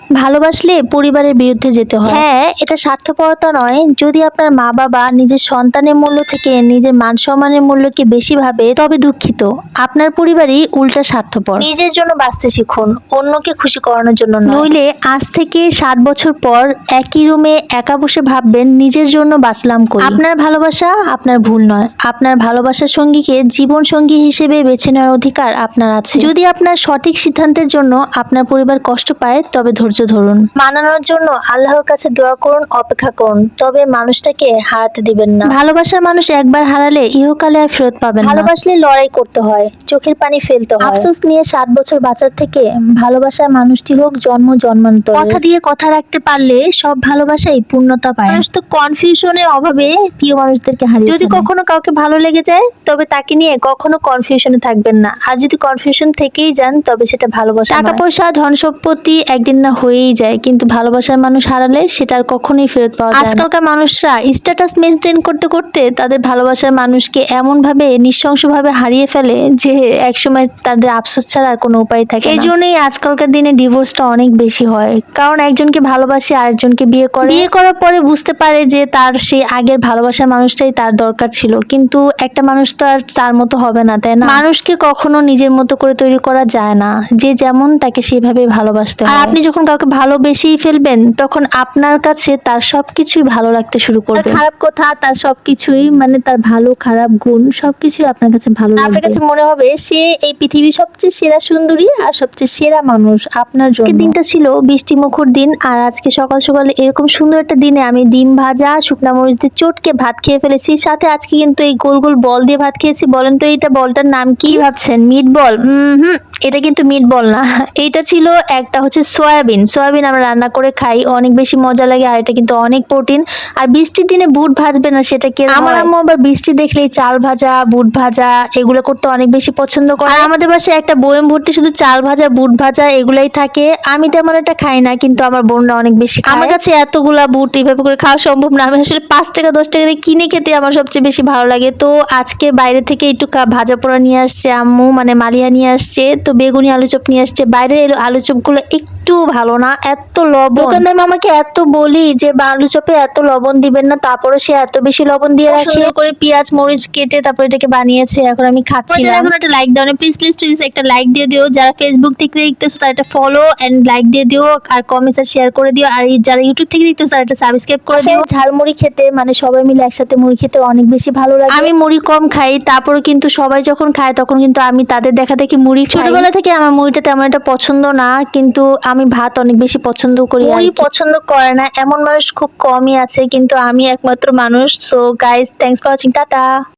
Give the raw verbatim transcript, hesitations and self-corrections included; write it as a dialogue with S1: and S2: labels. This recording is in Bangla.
S1: ভালোবাসলে পরিবারের বিরুদ্ধে যেতে হয়। হ্যাঁ, এটা স্বার্থপরতা নয়। যদি আপনার মা বাবা নিজের সন্তানের মূল্য থেকে নিজের মান সম্মানের মূল্যকে বেশি ভাবে, তবে দুঃখিত, আপনার পরিবারই উল্টা স্বার্থপর। নিজের জন্য বাঁচতে শিখুন, অন্যকে খুশি করানোর জন্য নয়। নইলে আজ থেকে সাত বছর পর একই রুমে একা বসে ভাববেন নিজের জন্য বাঁচলাম কই। আপনার ভালোবাসা আপনার ভুল নয়। আপনার ভালোবাসার সঙ্গীকে জীবন সঙ্গী হিসেবে বেছে নেওয়ার অধিকার আপনার আছে। যদি আপনার সঠিক সিদ্ধান্তের জন্য আপনার পরিবার কষ্ট পায়, তবে ধৈর্য ধরুন। মানানোর জন্য আল্লাহর কাছে দোয়া করুন, অপেক্ষা করুন, তবে মানুষটাকে হারাতে দিবেন না। ভালোবাসার মানুষ একবার হারালে ইহকালে আর ফেরত পাবেন না। ভালোবাসলে লড়াই করতে হয়, চোখের পানি ফেলতে হয়। আফসোস নিয়ে ষাট বছর বাঁচার থেকে ভালোবাসার মানুষটি হোক জন্ম জন্মান্তর। কথা দিয়ে কথা রাখতে পারলে সব ভালোবাসাই পূর্ণতা পায়। মানুষ তো কনফিউশনের অভাবে প্রিয় মানুষদেরকে হারিয়ে। যদি কখনো কাউকে ভালো লেগে যায়, তবে তাকে নিয়ে কখনো কনফিউশনে থাকবেন না। আর যদি কনফিউশন থেকেই যান, তবে সেটা ভালোবাসা। টাকা পয়সা ধন সম্পত্তি একদিন না হয়েই যায়, কিন্তু ভালোবাসার মানুষ হারালে সেটা আর কখনোই ফেরত পাওয়া যায় না। আজকালকার মানুষরা স্ট্যাটাস মেনটেন করতে করতে তাদের ভালোবাসার মানুষকে এমন ভাবে নৃশংসভাবে হারিয়ে ফেলে যে একসময় তাদের আফসোস ছাড়া আর কোনো উপায় থাকে না। এই জন্যই আজকালকার দিনে ডিভোর্সটা অনেক বেশি হয়, কারণ একজনকে ভালোবাসে আরেকজনকে বিয়ে করে। বিয়ে করার পরে বুঝতে পারে যে তার সেই আগের ভালোবাসার মানুষটাই তার দরকার ছিল, কিন্তু একটা মানুষ তো আর তার মতো হবে না, তাই না? মানুষকে কখনো নিজের মতো করে তৈরি করা যায় না। যে যেমন তাকে সেভাবে ভালোবাসতে হয়। আর আপনি যখন কাউকে ভালোবেসেই ফেলবেন, তখন আপনার কাছে তার সবকিছুই ভালো লাগতে শুরু করবে। খারাপ কথা, তার সবকিছুই, মানে তার ভালো খারাপ গুণ সবকিছুই আপনার কাছে ভালো লাগবে। আপনার কাছে মনে হবে সে এই পৃথিবীর সবচেয়ে সেরা সুন্দরী আর সবচেয়ে সেরা মানুষ আপনার জন্য। দিনটা ছিল বৃষ্টি মুখর দিন, আর আজকে সকাল সকালে এরকম সুন্দর একটা দিনে আমি ডিম ভাজা শুকনা মরিচ দিয়ে চটকে ভাত খেয়ে ফেলেছি। সাথে আজকে কিন্তু এই গোল গোল বল দিয়ে ভাত খেয়েছি। বলেন তো এইটা বলটার নাম কি? ভাবছেন মিট বল? হুম, এটা কিন্তু মিট বল না। এইটা ছিল একটা হচ্ছে সয়াবিন। সয়াবিন আমরা রান্না করে খাই, অনেক বেশি মজা লাগে, আর এটা কিন্তু অনেক প্রোটিন। আর বৃষ্টির দিনে বুট ভাজবে না সেটা কি? আমার আম্মু আবার বৃষ্টি দেখলেই চাল ভাজা বুট ভাজা এগুলো করতে অনেক বেশি পছন্দ করে। আর আমাদের বাসায় একটা বয়ম ভর্তি শুধু চাল ভাজা বুট ভাজা এগুলাই থাকে। আমি তেমন একটা খাই না, কিন্তু আমার বোনরা অনেক বেশি খায়। আমার কাছে এতগুলা বুট এইভাবে করে খাওয়া সম্ভব না। আমি আসলে পাঁচ টাকা দশ টাকা দিয়ে কিনে খেতে আমার সবচেয়ে বেশি ভালো লাগে। তো আজকে বাইরে থেকে একটু ভাজা পোড়া নিয়ে আসছে আম্মু, মানে মালিয়া নিয়ে আসছে, তো বেগুনি আলু চপ নিয়ে আসছে। বাইরের আলু চপ গুলো একটু ভালো না, এত লবণ। দোকানদার মামাকে এত বলি যে আলু চপে এত লবণ দিবেন না, তারপরে সে এত বেশি লবণ দিয়ে রাখে। করে পেঁয়াজ মরিচ কেটে তারপর এটাকে বানিয়েছে, এখন আমি খাচ্ছি। এখন একটা লাইক দাও না প্লিজ প্লিজ প্লিজ, একটা লাইক দিয়ে দিও। যারা ফেসবুক থেকে দেখতেছো তারা একটা ফলো এন্ড লাইক দিয়ে দিও, আর কমেন্টস আর শেয়ার করে দিও। আর যারা ইউটিউব থেকে দেখতেছো তারা একটা সাবস্ক্রাইব করে দিও। ঝালমুড়ি খেতে, মানে সবাই মিলে একসাথে মুড়ি খেতে অনেক বেশি ভালো লাগে। আমি মুড়ি কম খাই, তারপরে কিন্তু সবাই যখন খায় তখন কিন্তু আমি তাদের দেখা দেখি মুড়ি। ছোটবেলা থেকে আমার মুড়িটা তেমন একটা পছন্দ না, কিন্তু আমি ভাত অনেক বেশি পছন্দ করি। মুড়ি পছন্দ করে না এমন মানুষ খুব কমই আছে, কিন্তু আমি একমাত্র মানুষ। So guys, thanks for watching, tata.